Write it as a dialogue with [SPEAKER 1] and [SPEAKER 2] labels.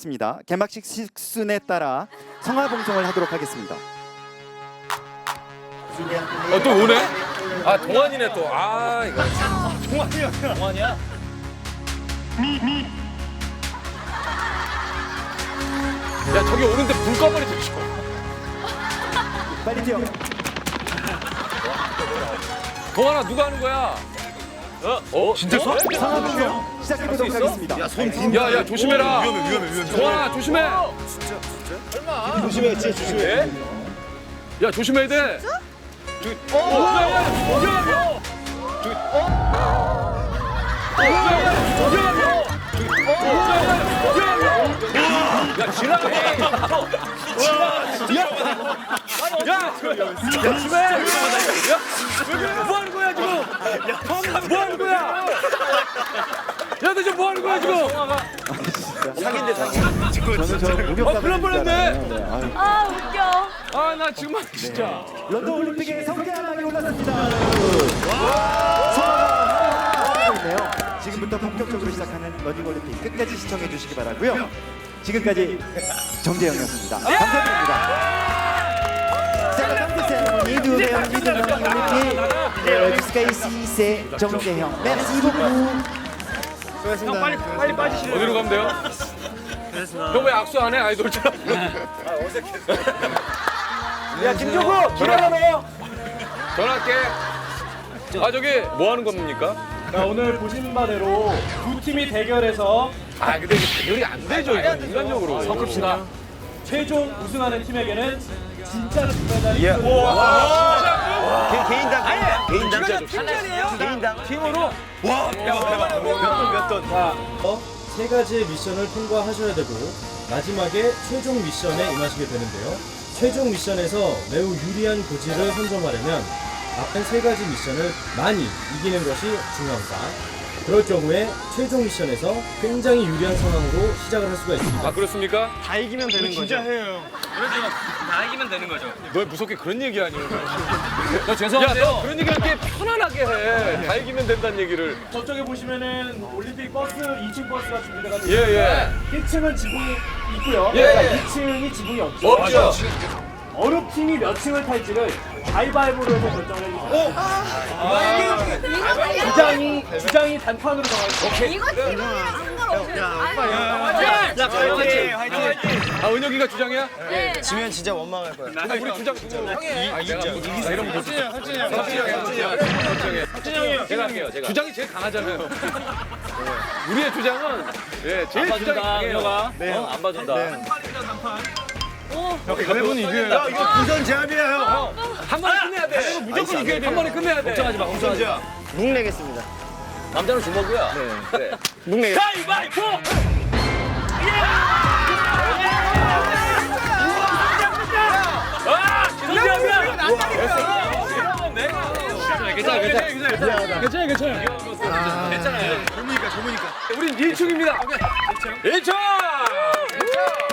[SPEAKER 1] 남았습니다. 개막식 식순에 따라 성화 봉송을 하도록 하겠습니다.
[SPEAKER 2] 또 오네? 아 동환이네 또. 아 이거.
[SPEAKER 3] 동환이야?
[SPEAKER 2] 야 저기 오는데 불 꺼버리지.
[SPEAKER 1] 빨리 뛰어.
[SPEAKER 2] 동환아 누가 하는 거야? 진짜 서?
[SPEAKER 1] 성화 봉송 시작해보도록 하겠습니다.
[SPEAKER 2] 야야 조심해라. 위험해. 동환아 조심해.
[SPEAKER 3] 조심해, 진짜 조심해.
[SPEAKER 2] 야 조심해야 돼. 야 지랄해. 야 조심해. 야 뭐 하는 거야 지금? 뭐 하는 거야? 야 너 지금 뭐 하는 거야 지금?
[SPEAKER 3] 사기인데 사기.
[SPEAKER 1] 저는 저 목욕탕
[SPEAKER 2] 그럴 뻔했네.
[SPEAKER 4] 아 웃겨.
[SPEAKER 2] 아 나 정말 진짜.
[SPEAKER 1] 런던 올림픽에 성대한방이 올랐습니다. 성화가 있네요. 지금부터 본격적으로 시작하는 러닝 올림픽 끝까지 시청해 주시기 바라고요. 지금까지 정재영이었습니다. 감사드립니다. 자, 깜짝 세레모니 누베 언니 러닝 올림픽 스카이시세 정재형. merci beaucoup.
[SPEAKER 3] 수고하셨습니다. 빨리 빠지시래요.
[SPEAKER 2] 어디로 가면 돼요? 형 왜 악수 안 해? 아이돌처럼.
[SPEAKER 3] 야 김종국 기다려.
[SPEAKER 2] 전화할게. 아 저기 뭐 하는 겁니까?
[SPEAKER 5] 자, 오늘 보신 바대로 두 팀이 대결해서
[SPEAKER 2] 아 근데 이게 대결이 안 되죠 이거 인간적으로. 섞읍시다.
[SPEAKER 5] 최종 우승하는 팀에게는 진짜 금메달이
[SPEAKER 3] 개인당. 개인당. 개인당.
[SPEAKER 2] 팀으로.
[SPEAKER 3] 몇 돈.
[SPEAKER 5] 자, 세 가지의 미션을 통과하셔야 되고 마지막에 최종 미션에 임하시게 되는데요. 최종 미션에서 매우 유리한 고지를 선점하려면 앞에 세 가지 미션을 많이 이기는 것이 중요합니다. 그럴 경우에 최종 미션에서 굉장히 유리한 상황으로 시작을 할 수가 있습니다.
[SPEAKER 2] 아 그렇습니까?
[SPEAKER 3] 다 이기면 되는 거죠. 진짜 해요.
[SPEAKER 2] 너 무섭게 그런 얘기 아니에요? 야 죄송한데요. 야, 너 그런 얘기할 때 편안하게 해. 다 이기면 된다는 얘기를.
[SPEAKER 5] 저쪽에 보시면은 올림픽 버스 2층 버스가 준비돼가지고
[SPEAKER 2] 예.
[SPEAKER 5] 1층은 지붕이 있고요.
[SPEAKER 2] 예.
[SPEAKER 5] 2층이 지붕이 없죠.
[SPEAKER 2] 없죠.
[SPEAKER 5] 어느 팀이 몇 층을 탈지를 가위바위보로 해서 결정을 해주세요. 주장이 단판으로 정하겠습니다.
[SPEAKER 4] 이거 지금이랑 상관없어요.
[SPEAKER 3] 자, 화이팅.
[SPEAKER 2] 아 은혁이가 주장이야?
[SPEAKER 4] 네.
[SPEAKER 3] 지면 진짜 원망할 거야.
[SPEAKER 2] 근데 우리 주장 누구?
[SPEAKER 3] 이기자.
[SPEAKER 2] 이러면 못 삭진이 제가 할게요. 주장이 제일 강하잖아요. 우리의 주장은 예 제일 주장이 강해요.
[SPEAKER 3] 안 봐준다. 그래본 이겨요. 야, 이거 부전 제압이야, 형.
[SPEAKER 2] 한 번에 끝내야 돼. 무조건 이겨야 돼. 한 번에 끝내야 돼. 걱정하지 마. 걱정하지 마.
[SPEAKER 3] 묵 내겠습니다.
[SPEAKER 2] 남자는 주먹이야. 네. 그래.
[SPEAKER 3] 묵 내겠습니다.
[SPEAKER 2] 가위바위보! 괜찮아요. 젊으니까. 우린 1층입니다. 1층! 1층!